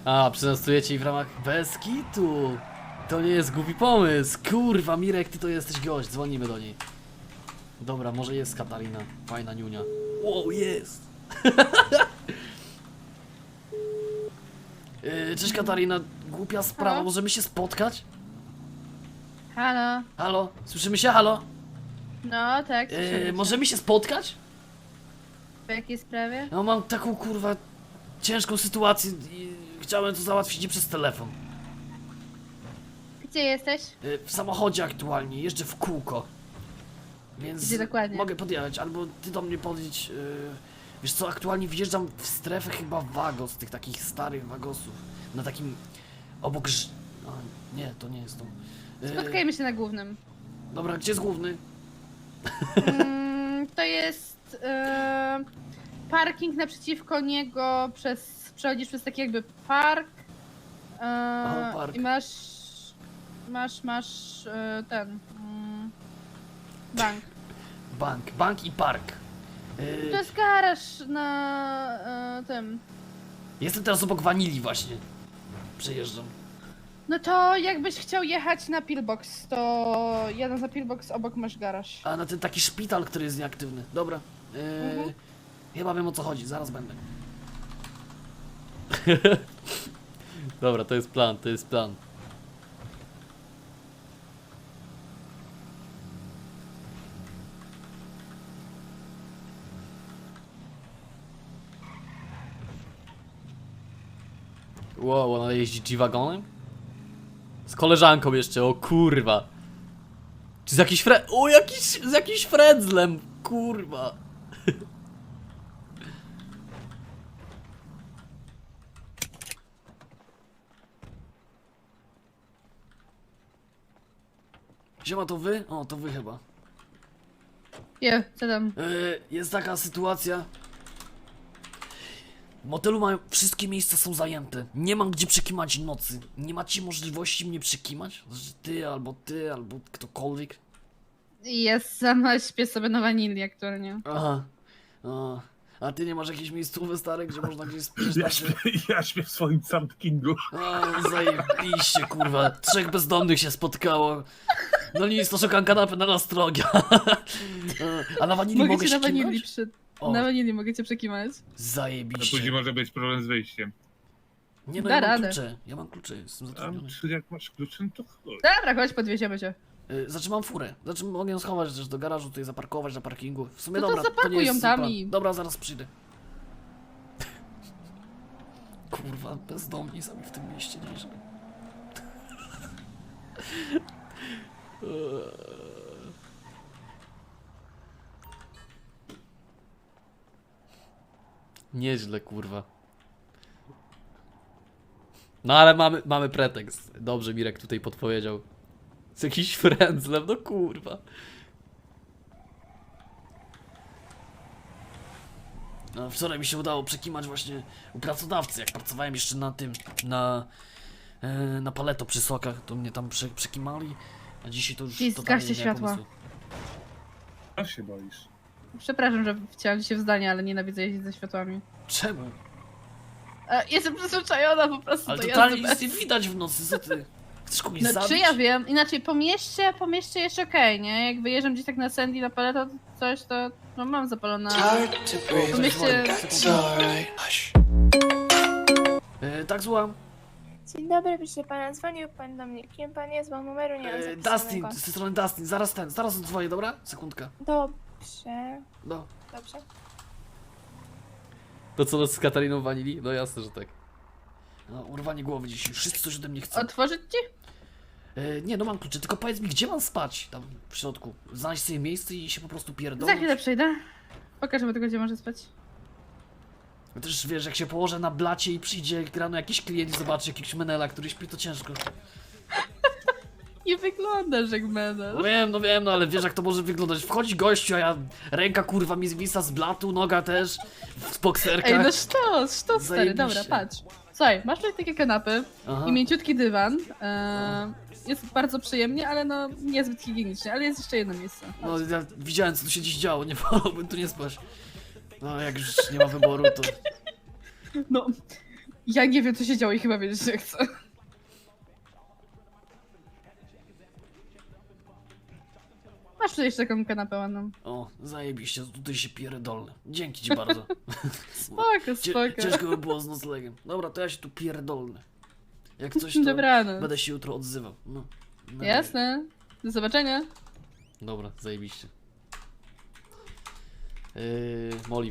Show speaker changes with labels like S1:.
S1: A, przetestujecie ich w ramach bez kitu. To nie jest głupi pomysł. Kurwa, Mirek, ty to jesteś gość. Dzwonimy do niej. Dobra, może jest Katarina. Fajna niunia. Wow, jest. Cześć Katarina, głupia sprawa,
S2: Halo?
S1: możemy się spotkać?
S2: Halo?
S1: Halo? Słyszymy się? Halo?
S2: No tak, słyszymy cię.
S1: Możemy się spotkać?
S2: W jakiej sprawie?
S1: No mam taką kurwa ciężką sytuację i chciałem to załatwić nie przez telefon.
S2: Gdzie jesteś?
S1: W samochodzie aktualnie, jeżdżę w kółko. Więc
S2: Gdzie dokładnie?
S1: mogę podjechać, albo ty do mnie podjedź. Wiesz co, aktualnie wjeżdżam w strefę chyba Wagos, tych takich starych Wagosów. Na takim obok nie, to nie jest to.
S2: Spotkajmy się na głównym.
S1: Dobra, gdzie jest główny?
S2: To jest parking naprzeciwko niego, przechodzisz przez taki jakby park.
S1: Park.
S2: I masz ten bank.
S1: Bank i park.
S2: To jest garaż na tym.
S1: Jestem teraz obok Wanili właśnie. Przejeżdżam.
S2: No to jakbyś chciał jechać na Pillbox, to jadąc na Pillbox obok masz garaż.
S1: A na ten taki szpital, który jest nieaktywny. Dobra. Chyba wiem o co chodzi, zaraz będę. Dobra, to jest plan, to jest plan. Wow, ona jeździ G-Wagonem? Z koleżanką jeszcze, o kurwa. Czy z jakiś o, z jakimś frędzlem, kurwa. Siema, to wy? O, to wy chyba.
S2: Co tam?
S1: Jest taka sytuacja. W motelu mają, wszystkie miejsca są zajęte. Nie mam gdzie przekimać nocy. Nie macie możliwości mnie przekimać? Znaczy ty, albo ktokolwiek.
S2: Ja sama śpię sobie na wanilii aktualnie.
S1: Aha. A ty nie masz jakiejś miejscówki stare, gdzie można gdzieś spać?
S3: Ja śpię w swoim campingu.
S1: A, zajebiście, kurwa. 3 bezdomnych się spotkało. No nic, to szukam kanapy na Nastrogia. A na wanilii mogę
S2: Mogę cię
S1: się
S2: na wanilii
S1: kimać?
S2: Na wanilii mogę cię przekimać.
S3: A
S1: Zajebiście.
S3: później może być problem z wyjściem.
S1: Nie no,
S2: Da
S1: ja mam
S2: radę.
S1: klucze. Ja mam klucze, jestem
S3: A
S1: zatrudniony.
S3: czy jak masz klucze, no to chodź.
S2: Dobra, chodź, podwieziemy cię.
S1: Znaczy mam furę. Znaczy mogę ją schować też do garażu, tutaj zaparkować na parkingu. W sumie
S2: No to
S1: dobra,
S2: zaparkuj
S1: nie jest
S2: ją
S1: zły
S2: tam
S1: plan.
S2: i-
S1: Dobra, zaraz przyjdę. Kurwa, bezdomni sami w tym mieście nieźle. Nieźle, kurwa. No ale mamy pretekst. Dobrze Mirek tutaj podpowiedział. Z jakiś frędzlem, no kurwa. No, wczoraj mi się udało przekimać właśnie u pracodawcy, jak pracowałem jeszcze na tym, na Paleto przy sokach, to mnie tam przekimali, a dzisiaj to już
S2: I
S1: totalnie
S2: zgaście
S1: nie ma
S2: światła.
S1: pomysłu.
S3: A się boisz.
S2: Przepraszam, że wciąłem się w zdanie, ale nienawidzę jeździć ze światłami.
S1: Czemu?
S2: Jestem przyzwyczajona po prostu
S1: Ale
S2: do
S1: totalnie
S2: jazdy
S1: nic
S2: bez...
S1: nie widać w nocy, co ty? Chcesz kogoś
S2: No
S1: zabić?
S2: czy ja wiem, inaczej po mieście jeszcze okej, nie? Jak wyjeżdżam gdzieś tak na Sandy, na Paleto, coś, to no, mam zapalone. Po mieście...
S1: Tak, słucham.
S4: Dzień dobry, proszę pana, dzwonił pan do mnie. Kim pan jest, bo numeru nie mam
S1: Dustin,
S4: zapisanego.
S1: z tej strony Dustin, zaraz odzwonię, dobra? Sekundkę.
S4: Dobrze,
S1: No.
S4: dobrze.
S1: To co z Katariną Wanili? No jasne, że tak. No, urwanie głowy dzisiaj, wszyscy coś ode mnie chcą.
S2: Otworzyć ci?
S1: Nie, no mam klucze, tylko powiedz mi, gdzie mam spać tam w środku? Znaleźć sobie miejsce i się po prostu
S2: Za
S1: pierdolnąć?
S2: chwilę przyjdę. Pokażemy tego, gdzie może spać.
S1: No też wiesz, jak się położę na blacie i przyjdzie rano jakiś klient i zobaczy jakiegoś menela, który śpi, to ciężko.
S2: Nie wyglądasz jak menel.
S1: No wiem, no ale wiesz jak to może wyglądać. Wchodzi gościu, a ja ręka kurwa mi zwisa z blatu, noga też, w bokserkach.
S2: Ej, no sztos, stary,
S1: Zajebiście.
S2: dobra, patrz. Słuchaj, masz tutaj takie kanapy
S1: Aha.
S2: i mięciutki dywan. Jest bardzo przyjemnie, ale no niezbyt higienicznie, ale jest jeszcze jedno miejsce.
S1: No ja widziałem co tu się dziś działo, nie wolałbym tu nie spać. No jak już nie ma wyboru, to...
S2: No, Ja nie wiem, co się działo i chyba wiedzieć nie chcę. Masz tutaj jeszcze taką kanapę ładną.
S1: O, zajebiście, tutaj się pierdolę. Dzięki ci bardzo.
S2: Spoko, spoko.
S1: Ciężko by było z noclegiem. Dobra, to ja się tu pierdolę. Jak coś, to
S2: Dobranoc.
S1: będę się jutro odzywał. No. Na
S2: Jasne. Do zobaczenia.
S1: Dobra, zajebiście. Molly,